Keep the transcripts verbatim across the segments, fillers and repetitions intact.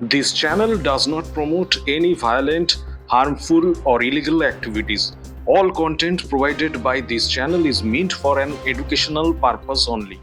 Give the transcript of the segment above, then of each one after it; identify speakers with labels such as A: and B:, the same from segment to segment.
A: This channel does not promote any violent, harmful, or illegal activities. All content provided by this channel is meant for an educational purpose only.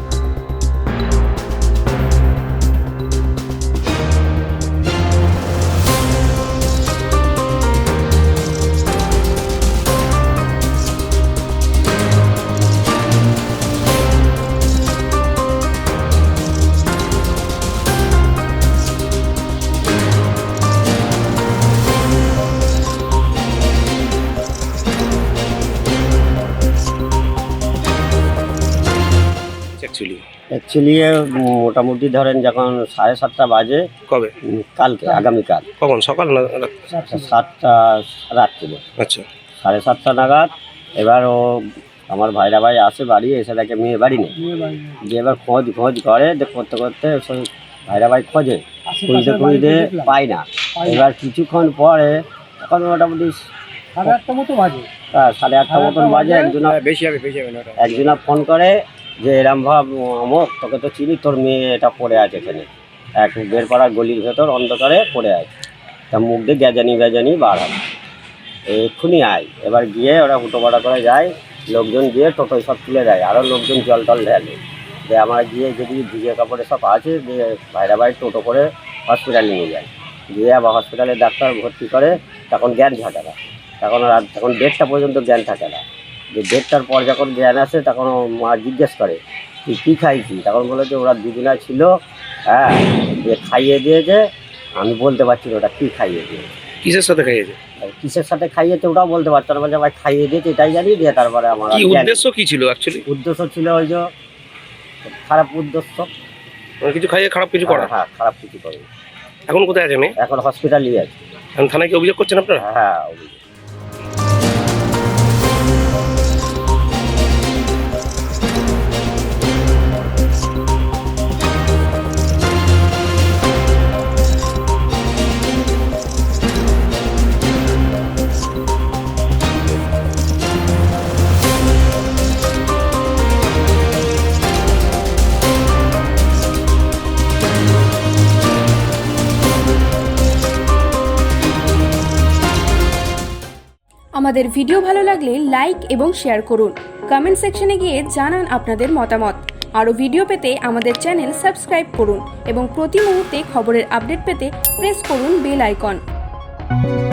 B: Actually
C: actually মোটামুটি ধরেন যখন সাড়ে সাতটা বাজে
B: কবে
C: উম, কালকে আগামীকাল
B: কখন সকাল না রাত?
C: সাতটা রাত্রিরে
B: আচ্ছা
C: সাড়ে সাতটা নাগাদ এবার ও আমার ভাইরা ভাই আসে বাড়ি এসে দেখে মেয়ে বাড়ি নেই, যে এবার খোঁজ খোঁজ করে দে- করতে করতে সেই ভাইরা ভাই খোঁজে খুঁজতে খুঁজতে পায় না। এবার কিছুক্ষণ পরে এখন মোটামুটি
D: সাড়ে আটটা মতো বাজে
C: আহ, সাড়ে আটটা মতন বাজে একজনা
B: বেশি হবে বেশি হবে না ওটা।
C: একজনা ফোন করে যে এরম ভাব অমুক তোকে তো চিনি, তোর মেয়ে এটা পড়ে আছে এখানে এক বেরপাড়ার গলির ভেতর অন্ধকারে পড়ে আছে, তা মুখ দিয়ে গ্যাজানি গ্যাজানি বার হবে, এক্ষুনি আয়। এবার গিয়ে ওরা হুটোপাটা করে যায়, লোকজন গিয়ে টোটোয় সব তুলে দেয়, আরও লোকজন জল টল ঢেলে যে আমরা গিয়ে যদি ভিজে কাপড়ে সব আছে দিয়ে ভাইরা ভাই টোটো করে হসপিটালে নিয়ে যায়, গিয়ে আবার হসপিটালে ডাক্তার ভর্তি করে, তখন জ্ঞান থাকে না, তখন রাত তখন দেড়টা পর্যন্ত জ্ঞান থাকে না, যে দেড়টার পর যখন জ্ঞান আসে তখন ও মা জিজ্ঞেস করে তুই কী খাইছি, তখন বলে যে ওরা দুদিনা ছিল, হ্যাঁ দিয়ে খাইয়ে দিয়েছে, আমি বলতে পারছি না ওটা কী খাইয়ে দিয়েছে,
B: কিসের সাথে খাইয়েছে?
C: আর কিসের সাথে খাইয়েছে ওটাও বলতে পারছে না, বলছে ভাই খাইয়ে দিয়েছে এটাই জানি, দিয়ে তারপরে আমার
B: কি
C: আর জ্ঞান-
B: উদ্দেশ্য কি ছিল অ্যাকচুয়ালি?
C: উদ্দেশ্য ছিল ওই যে খারাপ উদ্দেশ্য,
B: কিছু খাইয়ে খারাপ কিছু করা?
C: হ্যাঁ খারাপ কিছু করে।
B: এখন কোথায় আছে মেয়ে?
C: এখন হসপিটালই আছে।
B: এখন থানায় কি অভিযোগ করছেন আপনারা?
C: হ্যাঁ অভিযোগ।
E: আমাদের ভিডিও ভালো লাগলে লাইক এবং শেয়ার করুন। কমেন্ট সেকশনে গিয়ে জানান আপনাদের মতামত। আরও ভিডিও পেতে আমাদের চ্যানেল সাবস্ক্রাইব করুন এবং প্রতি মুহূর্তে খবরের আপডেট পেতে প্রেস করুন বেল আইকন।